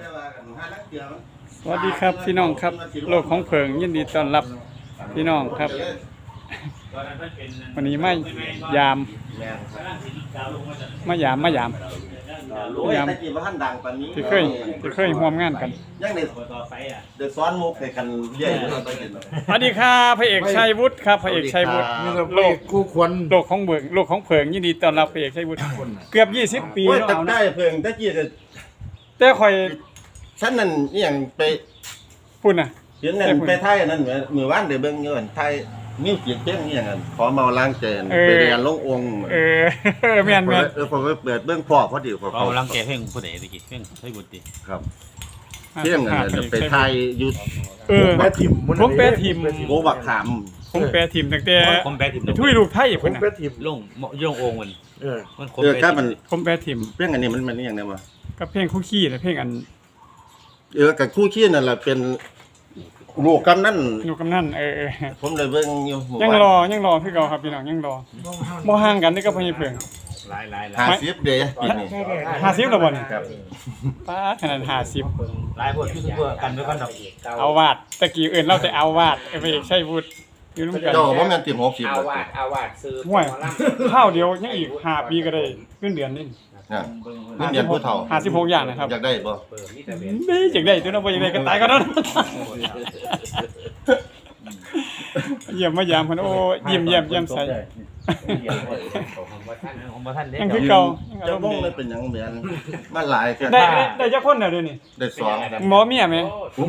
สวัสดีครับพี่น้องครับโลกของเพิงยินดีต้อนรับพี่น้องครับวันนี้มายามที่เคยร่วมงานกันยังในเดือดซ้อนมุกให้กันเรียกไปกินสวัสดีครับพระเอกชัยวุฒิครับพระเอกชัยวุฒิโลกคู่ควรโลกของเบิงโลกของเพิงยินดีต้อนรับพระเอกชัยวุฒิเกือบ20 ปีแล้วเอาได้เพิงตะกี้แต่ข่อยฉันนั่นนี่อย่างไปพูดน่ะเห็นนั่นไปไทยนั่นมือว่านเดี๋ยวเบิ่งอยู่อันไทยมิวสิกเพลงนี่อย่างนั้นขอเมาล้างเจนไปเรียนลงองค์แม่นผมไปเปิดเบิ่งพ่อพอดีเขาล้างแกเพลงผู้ใดตะกี้เพลงใช้บุตรครับเพลงนั่นไปไทยอยู่แปรทิมผมแปรทิมโกบักขามผมแปรทิมตั้งแต่ผมแปรทิมทุยลูกไทยพุ่นน่ะแปรทิมลงองค์มันมันครับมันผมแปรทิมเพลงอันนี้มันนี่อย่างไรวะกับเพลงคู่ขี้และเพลงอันกับคู่ขี้นั่นแหละเป็นลูกกำนันผมเลยเบิ่งอยู่ยังรอคือเก่าครับพี่น้องยังรอบ่ห่างกันนี่ก็พญเพิงหลาย 50เด้ปีนี้ 50แล้วบ่นี่ครับป้าขนาด50 หลายพวกยูทูบเบอร์กันด้วยกันดอกเอาวาดตะกี้เอิ้นเราแต่เอาวาดพระเอกชัยวุฒิอยู่นำกันเจ้าบ่แม่นติด60 เอาวาดซื้อห่วยข้าวเดียวยังอีก5ปีก็ได้เงินเดือนนี่นี่เดือนผู้เฒ่า 56อย่างนะครับอยากได้บ่ไม่อยากได้ตัวนั้นบ่อยากได้ก็ตายก็นั้นเยี่ยมมายามเพิ่นโอ้ยิ้มใส่ยังคือเก่าเจ้าบ่เลยเป็นหยังเหมือนมาหลายกันได้จักคนน่ะเดี๋ยวนี้ได้2 หมอเมียมั้ย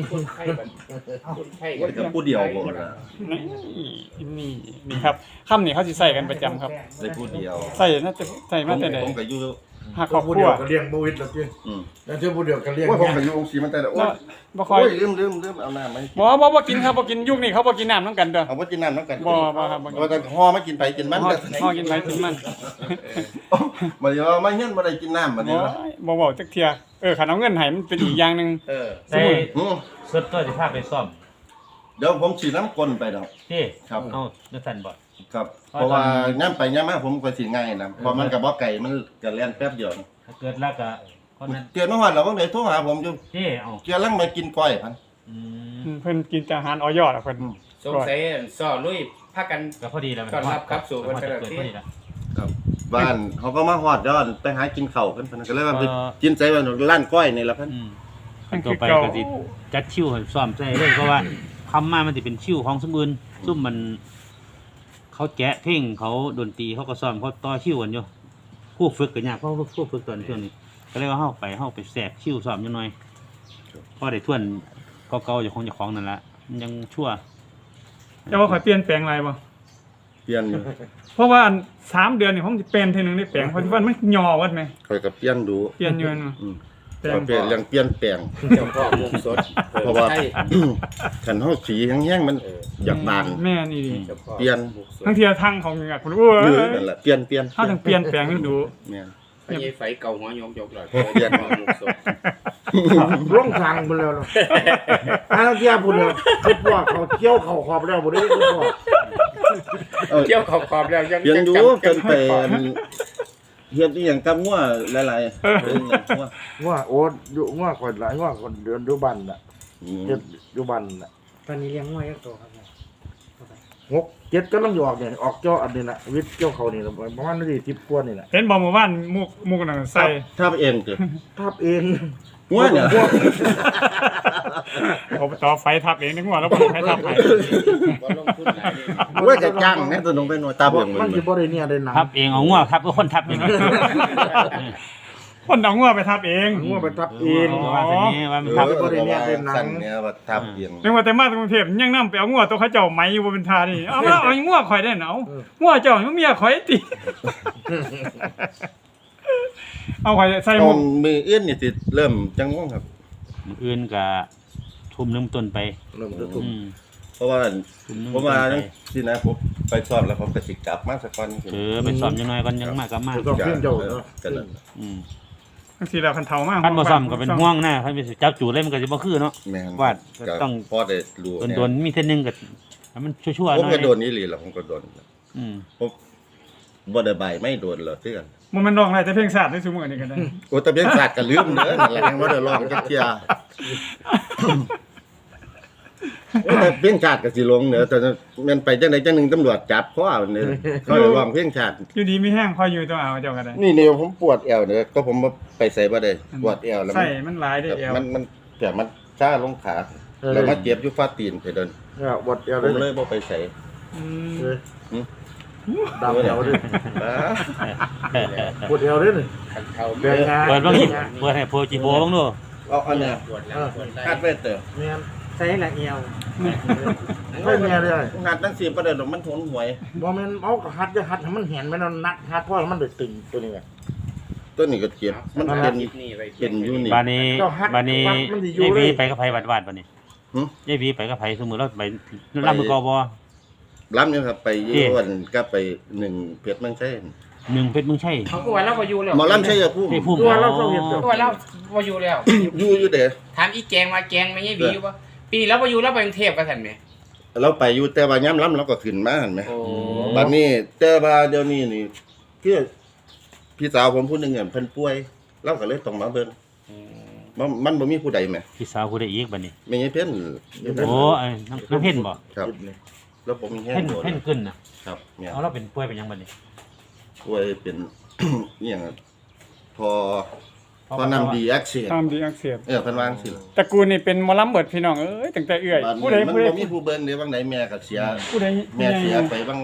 กับผู้เดียวบ่ล่ะนี่ครับคำนี้เขาสิใส่กันประจำครับได้ผู้เดียวใส่น่าจะใส่มาแต่ใดผมก็อยู่หาครอบครัวก็เลี้ยงบ่วิดแล้วจิแล้วเจ้าผู้เดียวก็เลี้ยงผมก็อยู่องค์ศรีมันแต่โอ้ยบ่ค่อยลืมเอาน้ำมั้ยบ่กินครับบ่กินยุคนี้เขาบ่กินน้ำนำกันเด้อเอาบ่กินน้ำนำกันบ่ครับบ่แต่ห่อมากินไปกินมันห่อกินไปกินมันบ่ได้ว่ามาเฮียนบ่ได้กินน้ำบัดนี้บ่เว้าจักเที่ยคันเอาเงินให้มันเป็นอีกอย่างนึงได้สุดตัวสิพาไปซ่อมเดี๋ยวผมสิน้ำก้นไปดอกครับเอาจังซั่นบ่ครับเพราะว่าย่ำไปย่ำมาผมก็สิง่ายนะเพราะมันกับบ่ไก่มันก็เล่นแป๊บเดียวเกิดแล้วก็คนนั้นเตือนเมื่อวานเราก็เลยโทรหาผมอยู่เอาเกี่ยวลังมากินก้อยพันเพิ่นกินอาหารออยอ่ะเพิ่นสงสัยซ้อลุยพากันก็พอดีแล้วต้อนรับครับสู่เพิ่นก็ได้ครับบ้านเขาก็มาฮอดย้อนไปหากินข้าวเพิ่นก็เลยว่าไปกินใจว่าร้านก้อยนี่ล่ะเพิ่นต่อไปก็สิจัดคิวให้ซ้อมใส่เลยเพราะว่าคำมามันสิเป็นคิวของซุมอื่นซุมมันเขาแกะเพลงเขาดนตรีเขาก็ซ้อมเขาต่อคิวกันอยู่ผู้ฝึกก็ยากเพราะผู้ฝึกตอนช่วงนี้ก็เลยว่าเฮาไปแทรกคิวซ้อมอยู่หน่อยพอได้ทวนเก่าๆอยู่ของนั่นล่ะมันยังชั่วจะว่าข่อยเปลี่ยนแปลงอะไรบ่เปลี่ยนอยู่เพราะว่า3เดือนนี่ผมสิเป็นทีนึงได้แปลงเพราะว่ามันย่อวัดมั้ยข่อยก็เปลี่ยนดูเปลี่ยนอยู่นั่นเปลี่ยนเรื่องเปลี่ยนแปลงเพราะว่าคันเฮาสีแห้งๆมันอยากบานแม่นี่ดิเปลี่ยนทั้งเที่ยทั้งของนี่พุ่นโอ้ยนั่นแหละเปลี่ยนเฮาต้องเปลี่ยนแปลงดูแม่นไอ้ไฟเก่าหัวยกเลยเปลี่ยนมุกสดร่องทางพุ่นแล้วเนาะเที่ยพุ่นแล้วคิดว่าเขาเที่ยวเข้าขอบแล้วบ่ได้คิดว่าเที่ยวขอบแล้วยังเปลี่ยนดูจนเป็นเฮ็ดอีหยังกับงัวหลายๆงัวโอ้อยู่งัวคนหลายงัวคนเดือนอยู่บ้านน่ะเฮ็ดอยู่บ้านน่ะตอนนี้เลี้ยงงัวจักตัวครับ 6 7กำลังออกเนี่ยออกเจ้าอันนี้น่ะวิทย์เจ้าเขานี่ประมาณนี้10กว่านี่แหละเห็นบ่เมื่อวานมุกนั่นใส่ทับเองติทับเองงัวเนี่ยเอาต่อไฟทับเองนึกว่าแล้วบ่ให้ทับให้บ่ลงทุนหลายนี่ว่าจะจ้างแน่ตัวน้องไปหน่วยทับเองมันสิบ่ได้เนี่ยได้หนังทับเองเอางัวทับก็คนทับเองคนเอางัวไปทับเองงัวไปทับเองว่าซั่นนี้ว่ามันทับบ่ได้เนี่ยได้หนังเนี่ยว่าทับเองนึกว่าแต่มากรุงเทพยังนำไปเอางัวตัวเขาเจ้าไหมอยู่บ่เป็นท่านี่เอางัวข่อยได้เนางัวเจ้ามันเมียข่อยติเอาข่อยใส่หมวกมืออื่นนี่สิเริ่มจังง่วงครับมื้ออื่นก็ทุ่มนึงต้นไปเริ่มทุ่มเพราะว่าผมมาสินะผมไปสอบแล้วผมก็สิกลับมาสักก่อนไปสอบจังหน่อยก่อนยังมากลับมาสอบเพิ่นเจ้ากันนั่นจังซี่แล้วคันเฒ่ามากคันบ่ซ้ำก็เป็นห่วงนะคันไปจับจูดเลยมันก็สิบ่คือเนาะว่าต้องพอได้รู้โดนมีเทื่อนึงก็มันชั่วๆหน่อยผมก็โดนนี่หลีล่ะผมก็โดนผมบ่ได้ใบไม่โดนหรอกคือกันมันร้องได้แต่เพลงชาติในซุมื้อนี้ก็ได้โอ้แต่เพียงศาสตร์ก็ลืมเด้อนั่นแหละยังบ่ได้ร้องจักเที่ยแต่เพียงชาติก็สิลงเด้อแต่แม่นไปจังได๋จังหนึงตำรวจจับคอเอาเด้อเขาเลยร้องเพียงชาติอยู่ดีมีแห้งคอยอยู่ตัวเอาเจ้าก็ได้นี่ผมปวดแอวเด้อก็ผมไปใส่บ่ได้ปวดแอวแล้วใส่มันหลายได้เอวมันแต่มันชาลงขาแล้วมาเจ็บอยู่ฟ้าตีนไปเดินเนี่ยบดเอวผมเลเลย ยบ่ไปใส่อืมเลยดำเอวด้วยบ้าปวดเอวด้วยนี่ขันเท้าเดินงานเปิดบ้างนี่เปิดให้โพจิโบบ้างดูเอาอันเนี้ยปวดแล้วปวดได้คาดไว้เตอแม่นใส่ละเอียวไม่แม่เลยงานตั้ง4ประเด็นดอกมันทนหวยบ่แม่นเอากระหัดจะหัดให้มันเห็นมันนัดหัดเพราะมันได้ตึงตัวนี้ไงต้นนี้ก็เจ็บมันเป็นนี่ไปเป็นอยู่นี่บานนี้เจ้าฮัดบานนี้มันสิอยู่ยายเลยวีไปกับไผวัดบานนี้หึยายวีไปกับไผสมมุติเราไปลำมือกอบอล้ำอยู่ครับไปอยู่วันก็ไป1เพชรเมืองใช่หนึ่งเพชรมึงใช่เขาก็ว่าเราพออยู่แล้วหมอล้ำใช่อย่าพูดไอ้พุ่มตัวเราต้องเห็นเด้อก็ว่าเราพออยู่แล้วอยู่เด้อถามอีแกงว่าแกงไม่ใช่บีอยู่ปะปีแล้วพออยู่แล้วไปกรุงเทพกันทันไหมเราไปอยู่แต่ว่าย่ำล้ำเราก็ขึ้นมาหั่นไหมโอ้บัดนี้แต่ว่าเดี๋ยวนี้นี่คือพี่สาวผมผู้หนึงเนี่ยเพิ่นป่วยเราก็เลยต้องมาเบิ่งมันบ่มีผู้ใดแหมพี่สาวผู้ใดอีกบานนี้ไม่ใช่เพิ่นโอ้ไอ้น้ำเพ่นบ่ครับแล้วผมมีแห้งเพ่นโดนเพ่นขึ้นน่ะครับเนี่ยเอาเราเป็นป่วยเป็นหยังบานนี้ป่วยเป็น อหย่างอะพอนำดีอักเสบตามดีอักเสบเเพิ่นวาจังสิตระกูลนี่เป็นหมอลำเบิดพี่น้องเอ้ยตั้งแต่เอื้อยบ้านผู้ใดมันผู้ใดบ่มีผู้เบิ่งเด้บางไหนแม่ก็เสียผู้ใดแม่เสียผู้ไปใหญ่บาง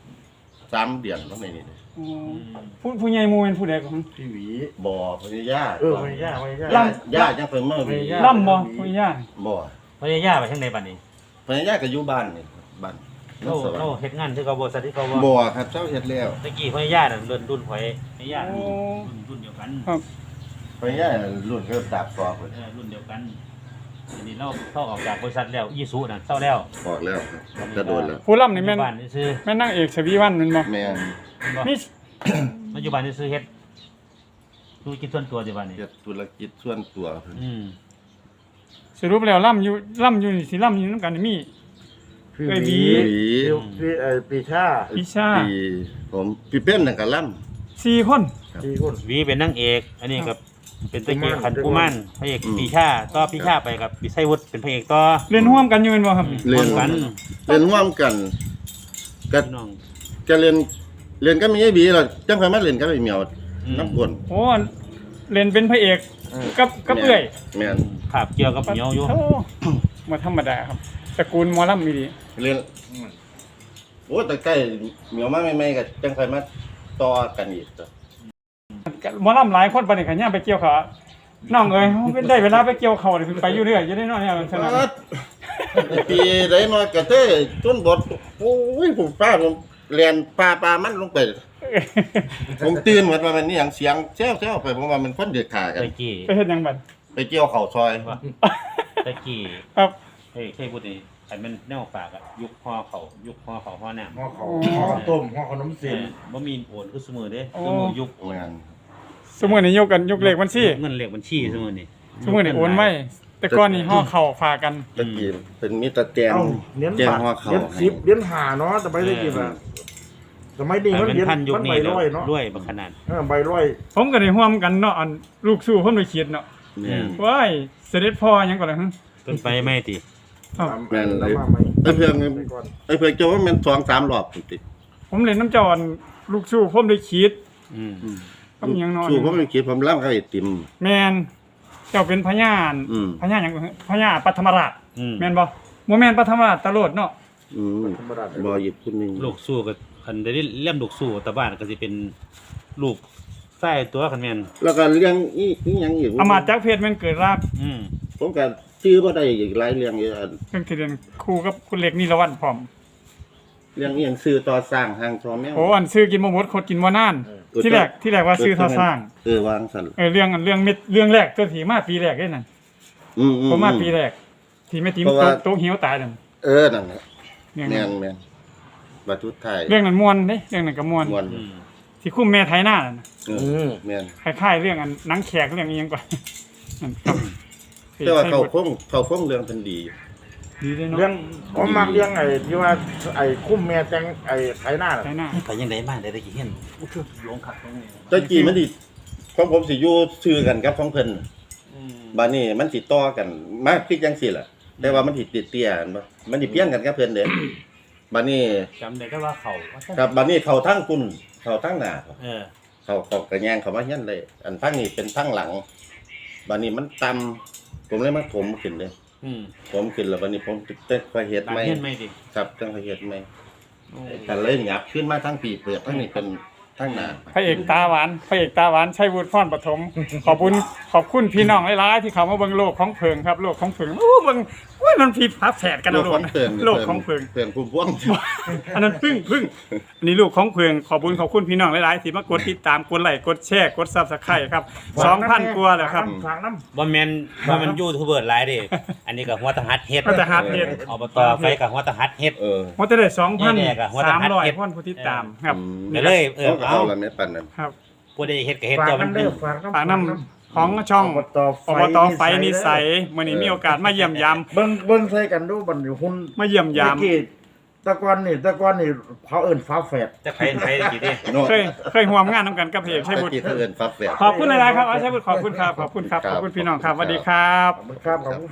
3เดือนบางไหนนี่อ๋อผู้ใหญ่หมู่เป็นผู้ใดของพี่หวีบ่พญายาไม่ยากไม่ยากลญาติจังเพิ่นมาวีล่ำบ่ผู้ใหญ่บ่พญายาไปทางใดบานนี้พญายาก็อยู่บ้านนี่บ้านเราสวรรเราค์เฮ็ดงานที่เขาบ่สัตว์ที่เขาบ่บ่ครับเจ้าเฮ็ดแล้วตะกี้พญายาน่ะรุ่นข่อยพญายาน่ะรุ่นเดียวกันพญายารุ่นก็ดาบสอบพุ่นรุ่นเดียวกันอันนี้เราเข้าออกจากบริษัทแล้วอีสุน่ะเศร้าแล้วออกแล้วครับจะโดนแล้วผู้ล่ำนี่แม่นปัจจุบันนี่ซื้อแม่นนางเอกชวีวันแม่นบ่แม่นมีปัจจุบันนี่ซื้อเฮ็ดธุรกิจส่วนตัวปัจจุบันนี่เฮ็ดธุรกิจส่วนตัวเพิ่นสรุปแล้วล่ำอยู่นี่สิล่ำอยู่นำกันนี่มีพี่เอ้ยหหวีวีพี่ปีชาพิชาปีผมพี่เป็นนั่นก็ล่ำ 4คนพี่คนวีเป็นนางเอก อันนี้กับเป็นตะกี้กุมารขันกุมารพระเอกปีชาต่อปีชาไปกับปีไส้วุฒิเป็นพระเอกต่อเรียนร่วมกันอยู่แม่นบ่ครับเรียนกันเรียนร่วมกันก็พี่น้องจะเรียนก็มีไอ้บีล่ะจังค่อยมาเรียนก็ไอ้เหมียวน้ำกวนโอ้เล่นเป็นพระเอกกับเอื้อยแม่นภาพเกี่ยวกับเหนียวอยู่โอ้บ่ธรรมดาครับตระกูลหมอลำมีดีเรียนโอ้แต่ใกล้เหมียวมาใหม่ๆก็จังค่อยมาต่อกันอีกจ้ะหมอลำหลายคนปานนี้ก็ย่างไปเกี่ยวเขาน้องเอ้ยเป็นได้เวลาไปเกี่ยวเขานี่ไปอยู่เรื่อยอยู่ได้น้อยเนี่ยมันสนุกปีใดน้อยก็เต้จนบดโอ้ยผมป้าผมเรียนปลามันลงไป ผมตื่นเหมือนว่ามันนี่อย่างเสียงแซ่วๆไปผมว่ามันคนเดือดขากันตะกี้ไปเฮ็ดหยังบัดไปเกี่ยวเข่าซอยตะกี้ครับเฮ้ยใช่พูดนี่ไอ้มันแนวฝากอะยุคห่อเขาห่อน้ำห่อเขาห่อข้าวต้มห่อขนมเส้นบ่มีโอนคือเสมอเด้เสมอยุคแม่นสมมุตินี่ยกเลขบัญชีเงินเลขบัญชีเสมอนี่สมมุตินี่โอนไว้แต่ก่อนนี่ห่อเข้าฝากกันตะกี้เป็นมิตรแจงเอ้าเลี้ยงแจ้งบาทห่อข้าวเลี้ยงสิบเลี้ยงหาเนาะแต่ไม่ได้กินอ่ะสมัยนี้มันเป็นเลี้ยงพันยุคมันนี้ใบแล้วร้อยเนาะด้วยบักขนาดใบร้อยผมก็ได้ร่วมกันเนาะอันลูกสู้เพิ่นไปเขียนเนาะแม่นว้ายเสด็จพ่อหยังก่อนล่ะฮะเพิ่นไปไม่ติครับแม่นเลยแล้วมาไหมไอ้เพื่อนไปก่อนไอ้เพื่อนเจ้าว่ามัน2-3รอบติดผมเล่นน้ำเจ้าอันลูกสู้ผมได้ขีดอืมกับหยังเนาะสู้ผมไม่คิดผมล่ำเขาไอติมแม่นเจ้าเป็นพญานอืมพญาหยังพญาปัทมราชอืมแม่นบ่บ่แม่นปัทมราชตะโลดเนาะธรรมดาบ่หยิบคุณนึงลูกสู้กับคันได้เล่มลูกสู้ตะบ้านก็สิเป็นลูกไส้ตัวคันแม่นแล้วก็เรื่องอีหยังอีกอำมาตย์จักรเพชรแม่นเกิดรากอืมผมก็ชื่อบ่ได้อีกหลายเรื่องอยู่อันเรื่องที่เรียนครูกับคุณเล็กนิรวันพร้อมเรื่องอีหยังซื้อต่อสร้างทางทอแมวโอ้อันซื้อกินบ่หมดคดกินบ่นานที่แรกว่าซื้อท่อสร้างวางสั่นเรื่องเม็ดเรื่องแรกตัวที่มาปีแรกเด้นั่นผมมาปีแรกที่แม่ติ๋มโตะเหี่ยวตายนั่นนั่นแหละเรื่องแม่นั้นนแม่นบัดทุดท้ายเรื่องนั้นม่วนเด้เรื่องนั้นก็ม่วนม่วนอืมที่คุ้มแม่ไทยหน้านั่นน่ะแม่นคล้ายๆเรื่องอันหนังแขกเรื่องอีหยังก่อนนั่นครับแต่ว่าเขาคงเรื่องเพิ่นดีอยู่ดีเลยเลี้ยเนาะงผมมักเลี้ยงไอ้ที่ว่าไอ้คุ้มแม่แตงไอ้ไถนาน่ะใช่หน้าไปยังไงบ้างได้ตะกี้เห็นหลวงขัดตรงนี้ตะกี้มันสิของผมสิอยู่ชื่อกันกับของเพิ่นบัดนี้มันสิต่อกันมากคือจังซี่ล่ะแต่ว่ามันสิติดเตี้ยกันบ่มันสิเพี้ยงกันกับเพิ่นเด้บัดนี้จำได้แต่ว่าเขาครับบัดนี้เข้าทางคุณเข้าทางหน้าเออเขากระแยงเขามาเฮียนเลย อันทางนี้เป็นทางหลังบัดนี้มันต่ำผมเลยมาถมขึ้นเลย ผมขึ้นแล้วบัดนี้ผมจะค่อยเฮ็ดบางใหม่เห็นไหมดิครับต้องค่อยเฮ็ดใหม่แต่เลยหยับขึ้นมาทางปีเปลือกทางนี้เป็นทางหน้าพระเอกตาหวานพระเอกตาหวานชัยวุฒิพรปฐมขอบคุณพี่น้องหลายๆที่เขามาเบิ่งโลกของเพิงครับโลกของเพิงโอ้เบิ่งโอ้ยมันพี่พับแฝดกันโลนะกของเพิงโลกของเพิงเพิงพุ่มพวงอันนั้นพึ่งอันนี้ลูกของเพิงขอบคุณพี่น้องหลายๆที่มากดติดตามกดไลค์กดแชร์กด Subscribe ครับ 2,000 กว่าแล้วครับฝากน้ำบ่แม่นยูทูบเบอร์หลายเดิอันนี้ก็หัวตะหัดเฮ็ดหัวตะหัดเฮ็ดอบตไฟกับหัวตะหัดเฮ็ดมันจะได้เนี่ยก็หัวตะหัดเฮ็ด 2,300คนผู้ติดตามครับไปเลยเอาเอาละแม่ปันนั้นครับผู้ใดเฮ็ดก็เฮ็ดฝากตัวมันน้ำเป็เด้นอฝากฝากน้ำของช่องอบตไฟนิสัยมื้อนี้มีโอกาสมาเยี่ยมยามเบิ่งใส่กันดูบัดอยู่หุ่นมาเยี่ยมยามเมื่อกี้ตะกอนนี่เขาเอิ้นฟ้าแฝดจะใครตะกี้ดิเนาะเคยร่วมงานนำกันกับเพจชัยวุฒิตะกี้เพิ่นฟักแฝดขอบคุณหลายๆครับอาชัยวุฒิขอบคุณครับขอบคุณพี่น้องครับสวัสดีครับครับ